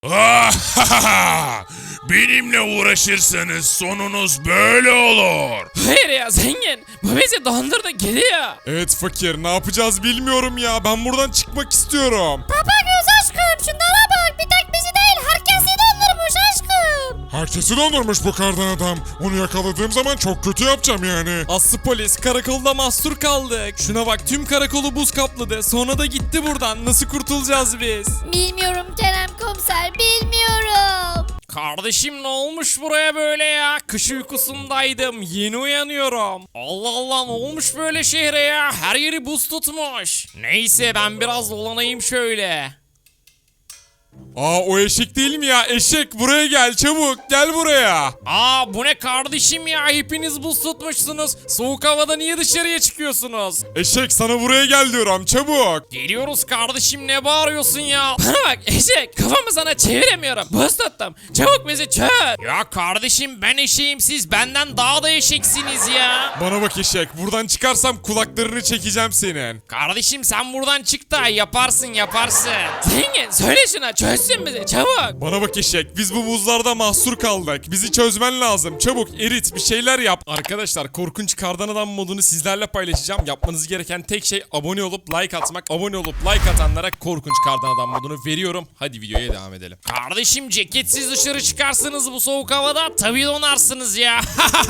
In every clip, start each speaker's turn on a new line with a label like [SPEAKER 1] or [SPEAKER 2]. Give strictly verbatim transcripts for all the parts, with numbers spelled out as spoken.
[SPEAKER 1] Benimle uğraşırsanız sonunuz böyle olur.
[SPEAKER 2] Hayır ya zengin. Bu bizi dondurdu gidiyor.
[SPEAKER 3] Evet fakir, ne yapacağız bilmiyorum ya. Ben buradan çıkmak istiyorum.
[SPEAKER 4] Tapagöz aşkım şunlara bak, bir tek bizi değil herkesi dondurmuş aşkım.
[SPEAKER 5] Herkesi dondurmuş bu kardan adam. Onu yakaladığım zaman çok kötü yapacağım yani.
[SPEAKER 3] Aslı polis, karakolda mahsur kaldık. Şuna bak, tüm karakolu buz kapladı. Sonra da gitti buradan. Nasıl kurtulacağız biz?
[SPEAKER 4] Bilmiyorum Kerem komiser, bilmiyorum.
[SPEAKER 2] Kardeşim ne olmuş buraya böyle ya? Kış uykusundaydım. Yeni uyanıyorum. Allah Allah ne olmuş böyle şehre ya? Her yeri buz tutmuş. Neyse ben biraz dolanayım şöyle.
[SPEAKER 3] Aa, o eşek değil mi ya? Eşek, buraya gel çabuk. Gel buraya.
[SPEAKER 2] Aa bu ne kardeşim ya? Hepiniz buz tutmuşsunuz. Soğuk havada niye dışarıya çıkıyorsunuz?
[SPEAKER 3] Eşek, sana buraya gel diyorum, çabuk.
[SPEAKER 2] Geliyoruz kardeşim, ne bağırıyorsun ya? Bana bak eşek, kafamı sana çeviremiyorum. Buz tuttum. Çabuk bizi çöz. Ya kardeşim ben eşeğim, siz benden daha da eşeksiniz ya.
[SPEAKER 3] Bana bak eşek, buradan çıkarsam kulaklarını çekeceğim senin.
[SPEAKER 2] Kardeşim sen buradan çık da yaparsın yaparsın. Zengin söyle şuna çözsün bizi çabuk.
[SPEAKER 3] Bana bak eşek, biz bu buzlarda mahsur kaldık. Bizi çözmen lazım. Çabuk erit, bir şeyler yap. Arkadaşlar, korkunç kardan adam modunu sizlerle paylaşacağım. Yapmanız gereken tek şey abone olup like atmak. Abone olup like atanlara korkunç kardan adam modunu veriyorum. Hadi videoya devam edelim.
[SPEAKER 2] Kardeşim ceketsiz dışarı çıkarsınız bu soğuk havada tabii donarsınız ya.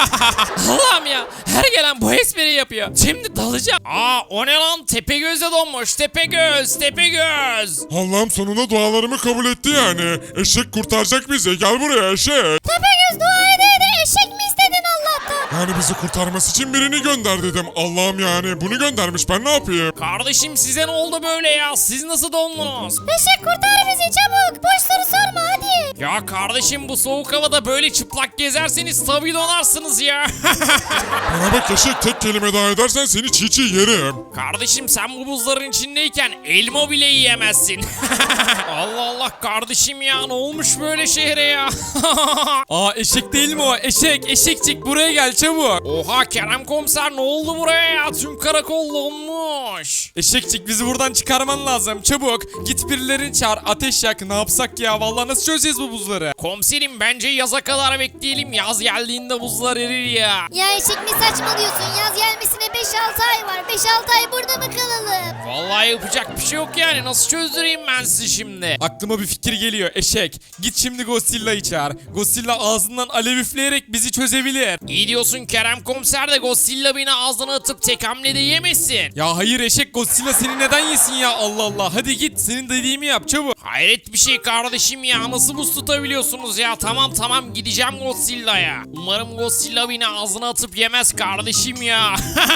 [SPEAKER 2] Allah'ım ya, her gelen bu espri yapıyor. Şimdi dalacağım. Aa o ne lan, Tepegöz'e donmuş. Tepegöz Tepegöz.
[SPEAKER 5] Allah'ım sonunda dualarımı kabul etti yani. Eşek kurtaracak bizi. Gel buraya eşek.
[SPEAKER 4] Tapagöz dua ede ede eşek mi istedin Allah'tan?
[SPEAKER 5] Yani bizi kurtarması için birini gönder dedim. Allah'ım yani bunu göndermiş, ben ne yapayım?
[SPEAKER 2] Kardeşim size ne oldu böyle ya? Siz nasıl dondunuz?
[SPEAKER 4] Eşek kurtar bizi çabuk, boş soru sorma hadi.
[SPEAKER 2] Ya kardeşim bu soğuk havada böyle çıplak gezerseniz tabii donarsınız ya.
[SPEAKER 5] Bana bak eşek, tek kelime daha edersen seni çiğ çiğ yerim.
[SPEAKER 2] Kardeşim sen bu buzların içindeyken elma bile yiyemezsin. Allah Allah kardeşim ya, ne olmuş böyle şehre ya?
[SPEAKER 3] Aa, eşek değil mi o? Eşek, eşekçik, buraya gel çabuk.
[SPEAKER 2] Oha Kerem komiser, ne oldu buraya ya? Tüm karakol donmuş.
[SPEAKER 3] Eşekçik, bizi buradan çıkarman lazım. Çabuk git, birilerini çağır, ateş yak. Ne yapsak ya? Vallahi nasıl çözeceğiz bu buzları?
[SPEAKER 2] Komiserim bence yaza kadar bekleyelim. Yaz geldiğinde buzlar erir ya.
[SPEAKER 4] Ya eşek ne saçmalıyorsun, yaz gelmesine beş altı ay var, beş altı ay burada mı kalalım?
[SPEAKER 2] Vallahi yapacak bir şey yok yani. Nasıl çözdüreyim ben sizi şimdi?
[SPEAKER 3] Aklıma bir fikir geliyor eşek. Git şimdi Godzilla'yı çağır. Godzilla ağzından alev üfleyerek bizi çözebilir.
[SPEAKER 2] İyi diyorsun Kerem komiser de Godzilla beni ağzına atıp tek hamlede yemesin.
[SPEAKER 3] Ya hayır eşek, Godzilla seni neden yesin ya? Allah Allah, hadi git, senin dediğimi yap çabuk.
[SPEAKER 2] Hayret bir şey kardeşim ya, nasıl buz tutabiliyorsunuz ya? Tamam tamam gideceğim Godzilla'ya. Umarım Godzilla beni ağzına atıp yemez kardeşim ya.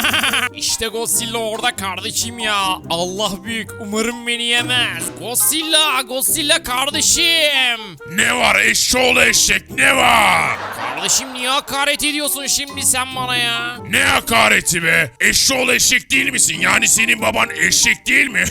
[SPEAKER 2] İşte Godzilla orada kardeşim ya. Allah büyük, umarım beni yemez. Godzilla, Godzilla kardeşim.
[SPEAKER 1] Ne var eşşoğlu eşek, ne var?
[SPEAKER 2] Kardeşim niye hakaret ediyorsun şimdi sen bana ya?
[SPEAKER 1] Ne hakareti be? Eşşoğlu eşek değil misin? Yani senin baban eşek değil mi?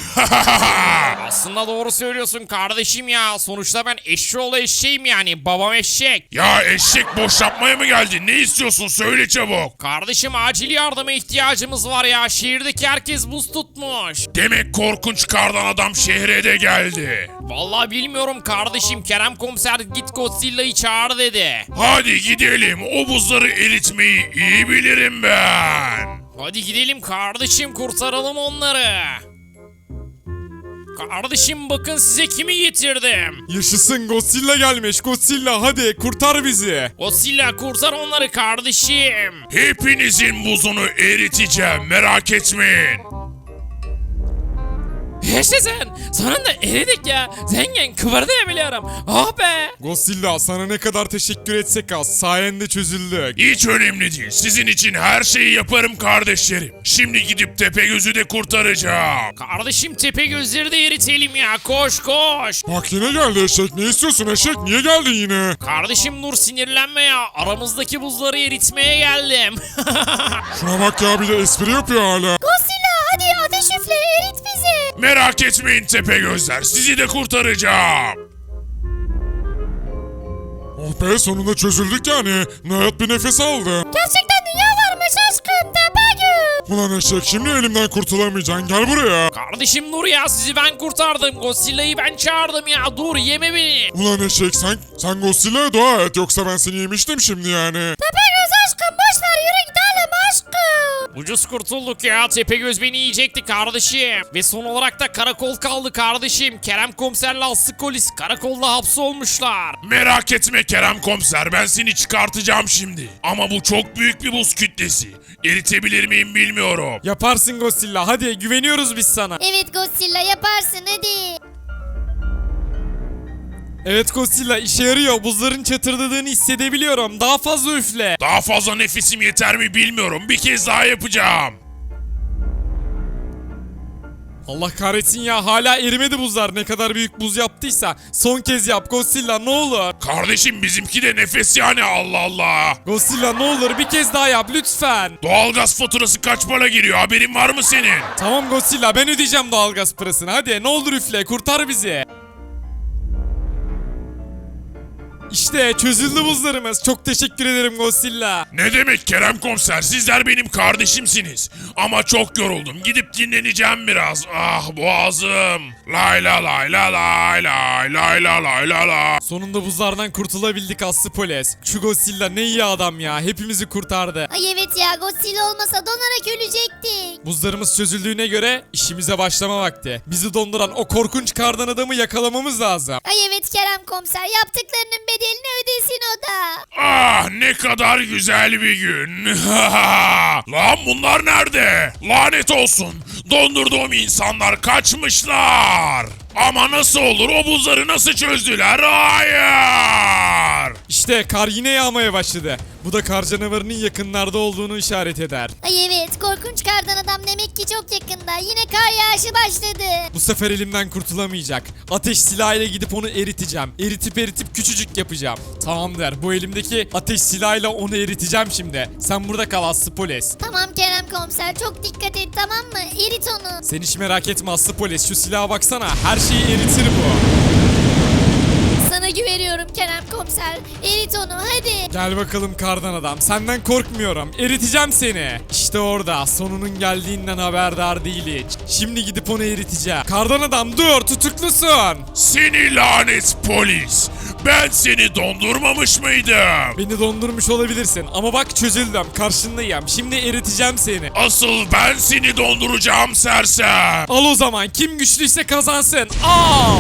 [SPEAKER 2] Aslında doğru söylüyorsun kardeşim ya. Sonuçta ben eşşoğlu eşeğim yani. Babam eşek.
[SPEAKER 1] Ya eşek, boş yapmaya mı geldin? Ne istiyorsun? Söyle çabuk.
[SPEAKER 2] Kardeşim acil yardıma ihtiyacımız var ya. Şehirdeki herkes buz tutmuş.
[SPEAKER 1] Demek korkunç kardan adam şehre de geldi.
[SPEAKER 2] Vallahi bilmiyorum kardeşim. Kerem komiser git Godzilla'yı çağır dedi.
[SPEAKER 1] Hadi gidelim. O buzları eritmeyi iyi bilirim ben.
[SPEAKER 2] Hadi gidelim kardeşim, kurtaralım onları. Kardeşim bakın size kimi getirdim.
[SPEAKER 3] Yaşasın, Godzilla gelmiş. Godzilla, hadi kurtar bizi.
[SPEAKER 2] Godzilla kurtar onları kardeşim.
[SPEAKER 1] Hepinizin buzunu eriteceğim. Merak etmeyin.
[SPEAKER 2] Yaşasın. Sonunda eridik ya. Zengin kıvırdayabiliyorum. Oh be.
[SPEAKER 3] Godzilla, sana ne kadar teşekkür etsek az. Sayende çözüldük.
[SPEAKER 1] Hiç önemli değil. Sizin için her şeyi yaparım kardeşlerim. Şimdi gidip Tepegöz'ü de kurtaracağım.
[SPEAKER 2] Kardeşim tepe gözleri de eritelim ya. Koş koş.
[SPEAKER 5] Bak yine geldi eşek. Ne istiyorsun eşek? Niye geldin yine?
[SPEAKER 2] Kardeşim dur sinirlenme ya. Aramızdaki buzları eritmeye geldim.
[SPEAKER 5] Şuna bak ya, bir de espri yapıyor hala.
[SPEAKER 4] Godzilla hadi ateş üfle, erit bizi.
[SPEAKER 1] Merak etmeyin Tepegözler. Sizi de kurtaracağım.
[SPEAKER 5] Oh be, sonunda çözüldük yani. Nihayet bir nefes aldı.
[SPEAKER 4] Gerçekten dünya varmış aşkım, Tepegöz.
[SPEAKER 5] Ulan eşek şimdi elimden kurtulamayacaksın. Gel buraya.
[SPEAKER 2] Kardeşim dur ya, sizi ben kurtardım. Godzilla'yı ben çağırdım ya. Dur, yeme beni.
[SPEAKER 5] Ulan eşek sen, sen Godzilla'ya dua et. Yoksa ben seni yemiştim şimdi yani.
[SPEAKER 4] Tepegöz aşkım boş ver yürü gidelim aşkım.
[SPEAKER 2] Ucuz kurtulduk ya. Tepegöz beni yiyecekti kardeşim. Ve son olarak da karakol kaldı kardeşim. Kerem komiserle Aslı Polis karakolda hapsolmuşlar.
[SPEAKER 1] Merak etme Kerem komiser, ben seni çıkartacağım şimdi. Ama bu çok büyük bir buz kütlesi. Eritebilir miyim bilmiyorum.
[SPEAKER 3] Yaparsın Godzilla, hadi güveniyoruz biz sana.
[SPEAKER 4] Evet Godzilla yaparsın hadi.
[SPEAKER 3] Evet Godzilla, işe yarıyor. Buzların çatırdadığını hissedebiliyorum. Daha fazla üfle.
[SPEAKER 1] Daha fazla nefesim yeter mi bilmiyorum. Bir kez daha yapacağım.
[SPEAKER 3] Allah kahretsin ya, hala erimedi buzlar. Ne kadar büyük buz yaptıysa. Son kez yap Godzilla, ne olur.
[SPEAKER 1] Kardeşim bizimki de nefes yani, Allah Allah.
[SPEAKER 3] Godzilla ne olur bir kez daha yap lütfen.
[SPEAKER 1] Doğalgaz faturası kaç para geliyor, haberin var mı senin?
[SPEAKER 3] Tamam Godzilla, ben ödeyeceğim doğalgaz parasını. Hadi ne olur üfle, kurtar bizi. İşte çözüldü buzlarımız. Çok teşekkür ederim Godzilla.
[SPEAKER 1] Ne demek Kerem komiser, sizler benim kardeşimsiniz. Ama çok yoruldum, gidip dinleneceğim biraz. Ah boğazım. Lay la lay la lay lay lay la lay la la.
[SPEAKER 3] Sonunda buzlardan kurtulabildik Aslı Polis. Şu Godzilla ne iyi adam ya. Hepimizi kurtardı.
[SPEAKER 4] Ay evet ya Godzilla olmasa donarak ölecektik.
[SPEAKER 3] Buzlarımız çözüldüğüne göre işimize başlama vakti. Bizi donduran o korkunç kardan adamı yakalamamız lazım.
[SPEAKER 4] Ay evet Kerem komiser yaptıklarının bedelini ödesin o da.
[SPEAKER 1] Ah ne kadar güzel bir gün. Lan bunlar nerede? Lanet olsun. Dondurduğum insanlar kaçmışlar. Ama nasıl olur, o buzları nasıl çözdüler? Hayır.
[SPEAKER 3] İşte kar yine yağmaya başladı. Bu da kar canavarının yakınlarda olduğunu işaret eder.
[SPEAKER 4] Ay evet korkunç kardan adam demek ki çok yakında. Yine kar yağışı başladı.
[SPEAKER 3] Bu sefer elimden kurtulamayacak. Ateş silahıyla gidip onu eriteceğim. Eritip eritip küçücük yapacağım. Tamamdır. Bu elimdeki ateş silahıyla onu eriteceğim şimdi. Sen burada kal Aslı Polis.
[SPEAKER 4] Tamam Kerem komiser çok dikkat et tamam mı? Erit onu.
[SPEAKER 3] Sen hiç merak etme Aslı Polis. Şu silaha baksana. Her şeyi eritir bu.
[SPEAKER 4] Sana güveniyorum Kerem komiser. Erit onu hadi.
[SPEAKER 3] Gel bakalım kardan adam. Senden korkmuyorum. Eriteceğim seni. İşte orada. Sonunun geldiğinden haberdar değil hiç. Şimdi gidip onu eriteceğim. Kardan adam dur, tutuklusun.
[SPEAKER 1] Seni lanet polis. Ben seni dondurmamış mıydım?
[SPEAKER 3] Beni dondurmuş olabilirsin ama bak çözüldüm. Karşındayım. Şimdi eriteceğim seni.
[SPEAKER 1] Asıl ben seni donduracağım sersem.
[SPEAKER 3] Al o zaman. Kim güçlüyse kazansın. Al.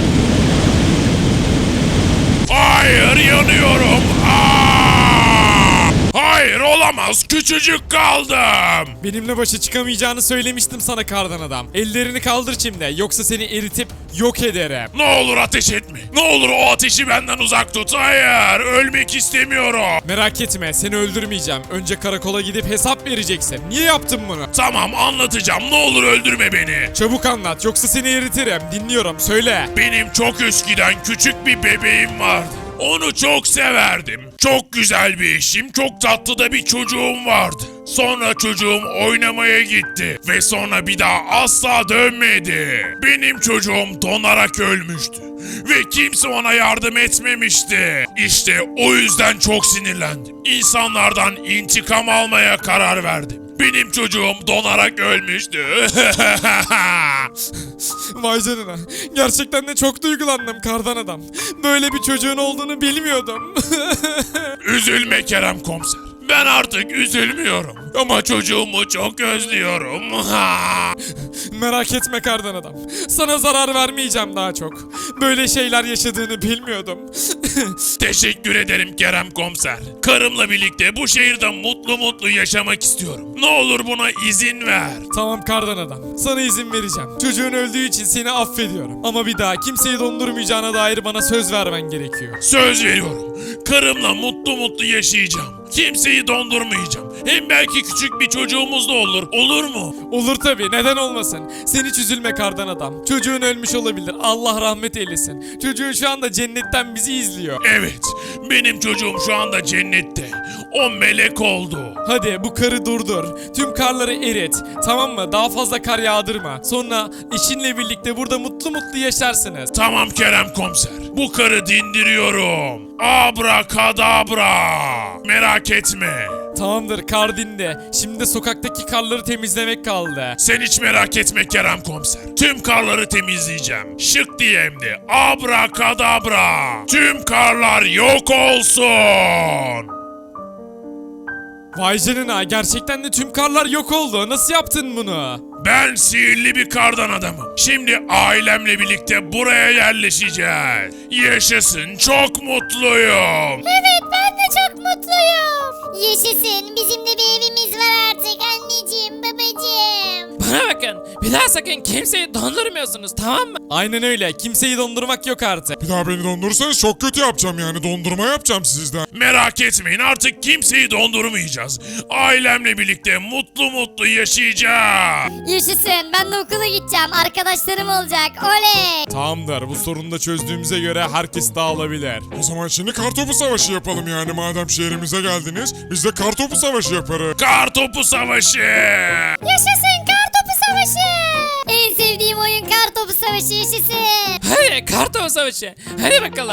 [SPEAKER 1] Hayır, yanıyorum. Aa! Hayır olamaz, küçücük kaldım.
[SPEAKER 3] Benimle başa çıkamayacağını söylemiştim sana kardan adam. Ellerini kaldır şimdi. Yoksa seni eritip yok ederim.
[SPEAKER 1] Ne olur ateş etme. Ne olur o ateşi benden uzak tut. Hayır, ölmek istemiyorum.
[SPEAKER 3] Merak etme, seni öldürmeyeceğim. Önce karakola gidip hesap vereceksin. Niye yaptın bunu?
[SPEAKER 1] Tamam, anlatacağım. Ne olur öldürme beni.
[SPEAKER 3] Çabuk anlat yoksa seni eritirim. Dinliyorum, söyle.
[SPEAKER 1] Benim çok eskiden küçük bir bebeğim vardı. Onu çok severdim. Çok güzel bir eşim, çok tatlı da bir çocuğum vardı. Sonra çocuğum oynamaya gitti ve sonra bir daha asla dönmedi. Benim çocuğum donarak ölmüştü ve kimse ona yardım etmemişti. İşte o yüzden çok sinirlendim. İnsanlardan intikam almaya karar verdim. Benim çocuğum donarak ölmüştü.
[SPEAKER 3] Vay canına. Gerçekten de çok duygulandım kardan adam. Böyle bir çocuğun olduğunu bilmiyordum.
[SPEAKER 1] Üzülme Kerem komiser. Ben artık üzülmüyorum. Ama çocuğumu çok özlüyorum.
[SPEAKER 3] Merak etme kardan adam. Sana zarar vermeyeceğim daha çok. Böyle şeyler yaşadığını bilmiyordum.
[SPEAKER 1] Teşekkür ederim Kerem komiser. Karımla birlikte bu şehirde mutlu mutlu yaşamak istiyorum. Ne olur buna izin ver.
[SPEAKER 3] Tamam kardan adam. Sana izin vereceğim. Çocuğun öldüğü için seni affediyorum. Ama bir daha kimseyi dondurmayacağına dair bana söz vermen gerekiyor.
[SPEAKER 1] Söz veriyorum. Karımla mutlu mutlu yaşayacağım. Kimseyi dondurmayacağım. Hem belki küçük bir çocuğumuz da olur. Olur mu?
[SPEAKER 3] Olur tabii, neden olmasın. Sen hiç üzülme kardan adam. Çocuğun ölmüş olabilir. Allah rahmet eylesin. Çocuğun şu anda cennetten bizi izliyor.
[SPEAKER 1] Evet. Benim çocuğum şu anda cennette. O melek oldu.
[SPEAKER 3] Hadi bu karı durdur. Tüm karları erit. Tamam mı? Daha fazla kar yağdırma. Sonra eşinle birlikte burada mutlu mutlu yaşarsınız.
[SPEAKER 1] Tamam Kerem komiser. Bu karı dindiriyorum. Abrakadabra. Merak etme.
[SPEAKER 3] Tamamdır, kar dindi. Şimdi de sokaktaki karları temizlemek kaldı.
[SPEAKER 1] Sen hiç merak etme Kerem komiser. Tüm karları temizleyeceğim. Şık diye hem de. Abrakadabra. Tüm karlar yok olsun.
[SPEAKER 3] Vay canına, gerçekten de tüm karlar yok oldu. Nasıl yaptın bunu?
[SPEAKER 1] Ben sihirli bir kardan adamım. Şimdi ailemle birlikte buraya yerleşeceğiz. Yaşasın, çok mutluyum.
[SPEAKER 4] Evet ben de çok mutluyum. Yaşasın bizim de bir evimiz var artık anneciğim babacığım.
[SPEAKER 2] Bana bakın. Bir daha sakın kimseyi dondurmuyorsunuz, tamam mı?
[SPEAKER 3] Aynen öyle. Kimseyi dondurmak yok artık.
[SPEAKER 5] Bir daha beni dondurursanız çok kötü yapacağım yani. Dondurma yapacağım sizden.
[SPEAKER 1] Merak etmeyin, artık kimseyi dondurmayacağız. Ailemle birlikte mutlu mutlu yaşayacağız.
[SPEAKER 4] Yaşasın ben de okula gideceğim. Arkadaşlarım olacak. Oley.
[SPEAKER 3] Tamamdır. Bu sorunu da çözdüğümüze göre herkes dağılabilir.
[SPEAKER 5] O zaman şimdi kartopu savaşı yapalım yani. Madem şehrimize geldiniz biz de kartopu savaşı yaparız.
[SPEAKER 1] Kartopu savaşı.
[SPEAKER 4] Yaşasın kartopu savaşı. En sevdiğim oyun kartopu savaşı yaşasın.
[SPEAKER 2] Hadi kartopu savaşı. Hadi bakalım.